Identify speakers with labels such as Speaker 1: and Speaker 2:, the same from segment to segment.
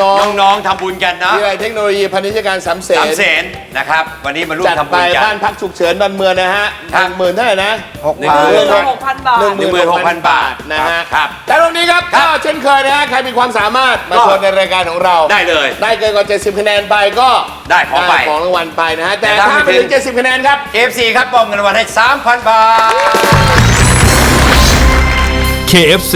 Speaker 1: น้องๆทำบุญกันนะ
Speaker 2: วิทยาลัยเทคโนโลยีพาณิชยการสามเสน
Speaker 1: นะครับวันนี้มาร่วม
Speaker 2: จัด
Speaker 1: ทำ
Speaker 2: ไป
Speaker 1: บุญกัน
Speaker 2: บ้านพักฉุกเฉินดอนเมืองนะฮะ 10,000เท่าไหร่นะ
Speaker 3: 16,000 บาท
Speaker 2: 16,000 บาทนะฮะ
Speaker 1: ครับ
Speaker 2: แต่ตรงนี้ครับก็เช่นเคยนะฮะใครมีความสามารถมาชมในรายการของเรา
Speaker 1: ได้เลย
Speaker 2: ได้เกินกว่า70คะแนนไปก็
Speaker 1: ได้ของไป
Speaker 2: ของรางวัลไปนะฮะแต่
Speaker 1: แต่ถ้า
Speaker 2: ถ้าไม่ถึง70คะแนนครับ
Speaker 1: KFC ครับมอบเงินรางวัลให้ 3,000 บาท
Speaker 4: KFC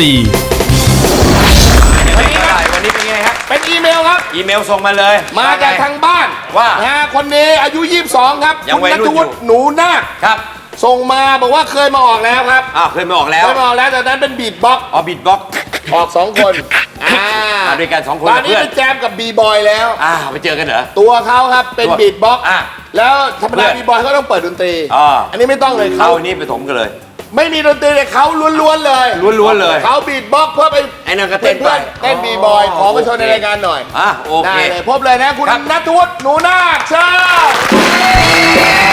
Speaker 1: วันนี้เป็นไงครับ
Speaker 2: เป็นอีเมลครับ
Speaker 1: อีเมลส่งมาเลย
Speaker 2: มาจากทางบ้าน
Speaker 1: ว่า
Speaker 2: นะฮะคนนี้อายุ 22 ครับ
Speaker 1: ยัง
Speaker 2: คุณ
Speaker 1: วัย
Speaker 2: ณั
Speaker 1: รุ่
Speaker 2: ฐ
Speaker 1: นอยู่
Speaker 2: วุฒิหนูนาค
Speaker 1: ครับ
Speaker 2: ส่งมาบอกว่าเคยมาออกแล้วครับ
Speaker 1: เคยมาออกแล้ว
Speaker 2: เคยมาออกแล้วแต่นั้นเป็นบีทบ็อกซ์
Speaker 1: บิดบ็อก
Speaker 2: ออก2 คน
Speaker 1: มาด้วยกัน2 คน
Speaker 2: ตอน
Speaker 1: กับ
Speaker 2: นี้
Speaker 1: เพื่อน
Speaker 2: เป็นแจมกับบีบอยแล้ว
Speaker 1: ไปเจอกันเหรอ
Speaker 2: ตัวเขาครับเป็น
Speaker 1: ตัว
Speaker 2: บีทบ็อกซ์
Speaker 1: อ่ะ
Speaker 2: แล้วธรรม
Speaker 1: เพื่
Speaker 2: ดา
Speaker 1: อน
Speaker 2: บีบอยเขาต้องเปิดดนตรี
Speaker 1: อั
Speaker 2: นนี้ไม่ต้องเลย
Speaker 1: เอา
Speaker 2: เขา
Speaker 1: นี่ไปถมกันเลย
Speaker 2: ไม่มีดนตรีเลยเขาล้วนๆเลย
Speaker 1: ล้วนๆเลย
Speaker 2: เขาบีทบ็อกซ์เพื่อไป
Speaker 1: ไอ้นั่นก็เต้นไป
Speaker 2: เต้นบีบอยขอมาโชว์ในรายการหน่อย
Speaker 1: โอเค
Speaker 2: ได้เลยพบเลยนะคุณ
Speaker 1: ครับ
Speaker 2: ณัฐวุฒิหนูนาคเชิญ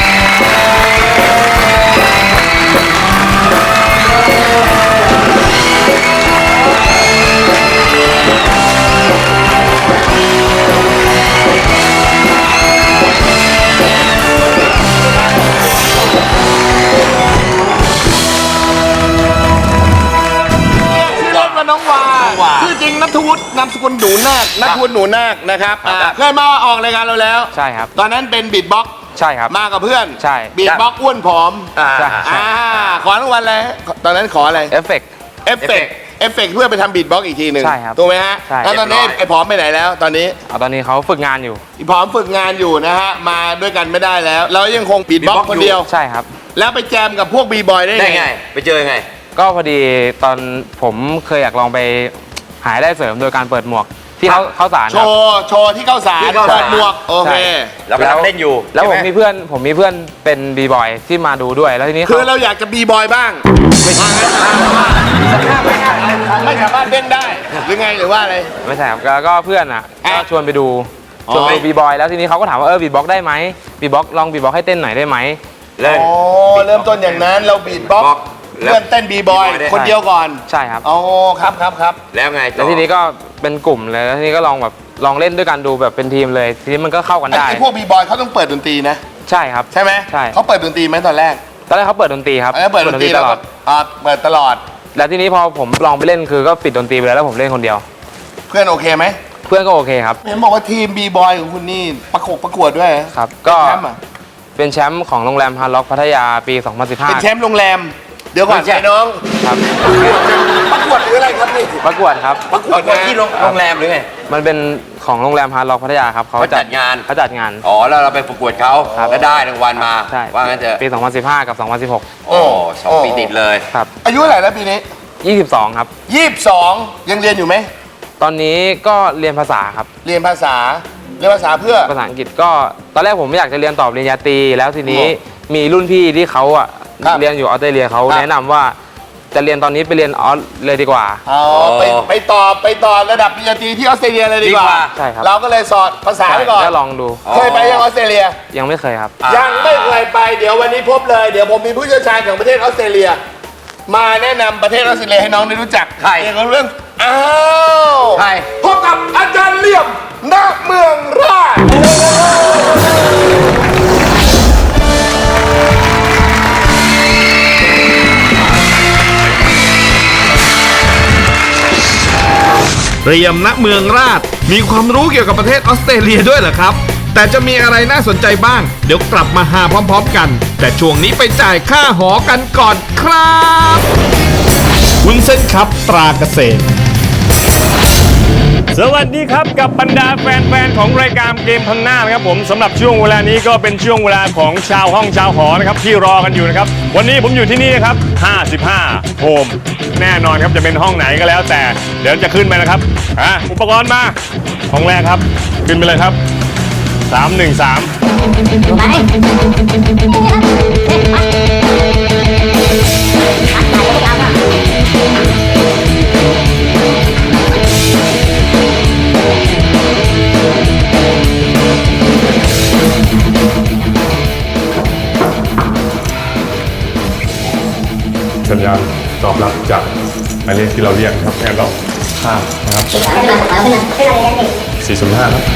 Speaker 2: ชื่อเล่นว่าน้องวาชื่อจริงณัฐวุฒินามสกุลหนูนาคณัฐวุฒิหนูนาคนะครับเคยมาออกรายการเราแล้ว
Speaker 5: ใช่ครับ
Speaker 2: ตอนนั้นเป็นบีทบ็อกซ์
Speaker 5: ใช่ครับ
Speaker 2: มากับเพื่อน
Speaker 5: ใช่
Speaker 2: บีทบ็อกซ์อ้วนผอม
Speaker 5: ใช่ใช่
Speaker 2: ขอรางวัลอะไรตอนนั้นขออะไร
Speaker 5: เอฟเฟกต์
Speaker 2: เอฟเฟกต์เพื่อไปทำบีทบ็อกซ์อีกทีหนึ่ง
Speaker 5: ใช่ครับ
Speaker 2: ถูกไหมฮะ
Speaker 5: ใช่
Speaker 2: แล้วตอนนี้
Speaker 1: เรียบร้อย
Speaker 2: ไอ้ผอมไปไหนแล้วตอนนี้
Speaker 5: ตอนนี้เขาฝึกงานอยู่
Speaker 2: ไอ้ผอมฝึกงานอยู่นะฮะมาด้วยกันไม่ได้แล้ว เรายังคงบีทบ็อกซ์คนเดียว
Speaker 5: ใช่ครับ
Speaker 2: แล้วไปแจมกับพวกบีบอยได้
Speaker 1: ได้
Speaker 2: ไง
Speaker 1: ไง ไปเจอยังไง
Speaker 5: ก็พอดีตอนผมเคยอยากลองไปหารายได้เสริมโดยการเปิดหมวกที่เขาสาร
Speaker 2: โช
Speaker 5: ครับ
Speaker 2: ว์ที่เข้าสาร
Speaker 1: ที่เข้าสาร
Speaker 2: เปิดหมวกโอเค
Speaker 5: ใช่
Speaker 1: เรากำลังเล่นอยู่
Speaker 5: แล้วผม
Speaker 1: ใช่ไห
Speaker 5: มีเพื่อนเป็นบีบอยที่มาดูด้วยแล้วทีนี้
Speaker 2: คือ
Speaker 5: เขา
Speaker 2: เราอยากจะบีบอยบ้างไม่สามารถเล่นได้หรือไงหรือว่าอะไร
Speaker 5: ไม่ใช่ครับแล้วก็เพื่อนอ่ะ
Speaker 2: อ่ะ
Speaker 5: ก็ชวนไปดู
Speaker 2: อ๋อ
Speaker 5: ชวนไปดูบีบอยแล้วทีนี้เขาก็ถามว่าบีบ็อกได้ไหมบีบ็อกลองบีบ็อกให้เต้นหน่อยได้ไหม
Speaker 1: เล่น
Speaker 2: อ๋อเริ่มต้นอย่างนั้นเราบีทบ็อก
Speaker 1: บ็อก
Speaker 2: ซ์เริ่มเต้นบีบอย
Speaker 1: B-boy ได้
Speaker 2: คนเดียวก่อน
Speaker 5: ใช่ครับ
Speaker 2: อ๋อครับ
Speaker 1: แล้วไงต่
Speaker 5: แล้ว
Speaker 1: อ
Speaker 5: ทีนี้ก็เป็นกลุ่มเลยแล้วทีนี้ก็ลองเล่นด้วยกันดูแบบเป็นทีมเลย ทีนี้มันก็เข้ากันได้
Speaker 2: ไอ้พวกบีบอยเขาต้องเปิดดนตรีนะ
Speaker 5: ใช่ครับ
Speaker 2: ใช่ไหม
Speaker 5: ใช่
Speaker 2: เขาเปิดดนตรีไหมตอนแรก
Speaker 5: ตอนแรกเขาเปิดดนตรีครับ
Speaker 2: แล้วเปิดดนตรี
Speaker 5: ต
Speaker 2: แล้ว
Speaker 5: ลอ
Speaker 2: ก็
Speaker 5: ด
Speaker 2: เปิดตลอด
Speaker 5: แล้วทีนี้พอผมลองไปเล่นคือก็ปิดดนตรีไปแล้วผมเล่นคนเดียว
Speaker 2: เพื่อนโอเคไหม
Speaker 5: เพื่อนก็โอเคครับ
Speaker 2: เห็นบอกว่าทีมบีบอยของคุณนี่ประกวดด้วย
Speaker 5: ครับ
Speaker 2: ก็
Speaker 5: ก็
Speaker 2: แชมป์อะ
Speaker 5: เป็นแชมป์ของโรงแรมฮาร์ล็อกพัทยาปี
Speaker 2: เป็นแช
Speaker 5: 2015
Speaker 2: มป์โรงแรม เดี๋ยวก่อน
Speaker 1: ไม่ใช่
Speaker 2: ไอ้น้อง
Speaker 5: ครับ
Speaker 2: ประกวดหรืออะไรครับนี่
Speaker 5: ประกวดครับ
Speaker 2: ประกวด
Speaker 1: ประกวดที่โรงแรมหรือไง
Speaker 5: มันเป็นของโรงแรมฮาร์ล็อกพัทยาครับ
Speaker 1: เขาจัดงาน
Speaker 5: เขาจัดงาน
Speaker 1: แล้วเราไปประกวดเขา
Speaker 5: ครับ
Speaker 1: แล้วได้รางวัลมา
Speaker 5: ใช่
Speaker 1: ว่างั้นเถอะ
Speaker 5: ปี 2015 กับ
Speaker 1: โอ้2 ปีติดเลย
Speaker 5: 2016 ครับ
Speaker 2: อายุเท่าไหร่แล้วปีนี้
Speaker 5: 22 ครับ
Speaker 2: 22ยังเรียนอยู่ไหม
Speaker 5: ตอนนี้ก็เรียนภาษาครับ
Speaker 2: เรียนภาษาเพื่อ
Speaker 5: ภาษาอังกฤษก็ตอนแรกผมไม่อยากจะเรียนต่อปริญญาตรีแล้วทีนี้มีรุ่นพี่ที่เขาอ่ะ
Speaker 2: ครับ
Speaker 5: เรียนอยู่ออสเตรเลียเขา
Speaker 2: ครับ
Speaker 5: แนะนำว่าจะเรียนตอนนี้ไปเรียนออสเลยดีกว่า
Speaker 2: เอาไปต่อระดับปริญญาตรีที่ออสเตรเลียเลยดีกว่า
Speaker 5: ใช่ครับ
Speaker 2: เราก็เลยสอนภาษาไปก่อน
Speaker 5: ก็ลองดู
Speaker 2: เคยไปยังออสเตรเลีย
Speaker 5: ยังไม่เคยครับ
Speaker 2: ยังไม่เคยไปเดี๋ยววันนี้พบเลยเดี๋ยวผมมีผู้เชี่ยวชาญของประเทศออสเตรเลีย มาแนะนำประเทศออสเตรเลียให้น้องได้รู้จัก
Speaker 1: ใคร
Speaker 2: เกี่ยวกับเรื่องอ้าว
Speaker 1: ใคร
Speaker 2: พบกับอาจารย์เหลี่ยมณเมืองราช
Speaker 4: เรียมณเมืองราชมีความรู้เกี่ยวกับประเทศออสเตรเลียด้วยเหรอครับ แต่จะมีอะไรน่าสนใจบ้าง เดี๋ยวกลับมาหาพร้อมๆกัน แต่ช่วงนี้ไปจ่ายค่าหอกันก่อนครับวุ้นเส้นครับตราเกษตร
Speaker 6: สวัสดีครับกับบรรดาแฟนๆของรายการเกมพังหน้านะครับผมสำหรับช่วงเวลานี้ก็เป็นช่วงเวลาของชาวห้องชาวหอนะครับที่รอกันอยู่นะครับวันนี้ผมอยู่ที่นี่นะครับ55โฮมแน่นอนครับจะเป็นห้องไหนก็แล้วแต่เดี๋ยวจะขึ้นไปนะครับอุปกรณ์มาห้องแรกครับขึ้นไปเลยครับ313สัญญาณตอบรับจากหมายเลขที่เราเรียกครับงั้นเราข้ามนะครับ 405ครับ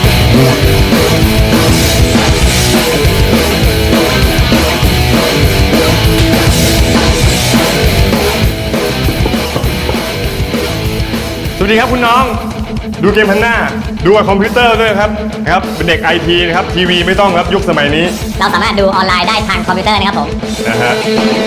Speaker 6: สวัสดีครับคุณน้องดูเกมพันหน้าดูกับคอมพิวเตอร์ด้วยครับเป็นเด็กไอทีนะครับทีวีไม่ต้องครับยุคสมัยนี้
Speaker 7: เราสามารถดูออนไลน์ได้ทางคอมพิวเตอร์นะครับผม
Speaker 6: นะฮะ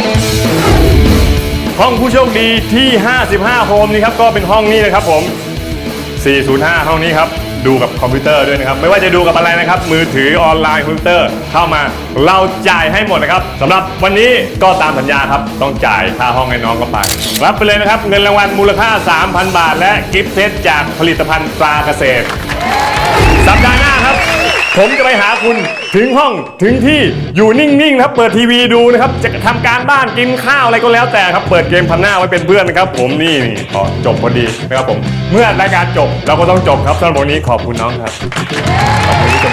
Speaker 6: ห้องผู้โชคดีที่ 55 โฮมนี่ครับก็เป็นห้องนี้นะครับผม 405 ห้องนี้ครับดูกับคอมพิวเตอร์ด้วยนะครับไม่ว่าจะดูกับอะไรนะครับมือถือออนไลน์คอมพิวเตอร์เข้ามาเราจ่ายให้หมดนะครับสำหรับวันนี้ก็ตามสัญญาครับต้องจ่ายค่าห้องให้น้องก็ไปรับไปเลยนะครับเงินรางวัลมูลค่า 3,000 บาท และกิฟต์เซตจากผลิตภัณฑ์ปลาเกษตรสัปดาห์หน้าครับผมจะไปหาคุณถึงห้องถึงที่อยู่นิ่งๆครับเปิดทีวีดูนะครับจะทำการบ้านกินข้าวอะไรก็แล้วแต่ครับเปิดเกมพันหน้าไว้เป็นเพื่อนนะครับผมนี่พอจบพอดีนะครับผมเมื่อรายการจบเราก็ต้องจบครับสำหรับวันนี้ขอบคุณน้องครับขอบคุณที่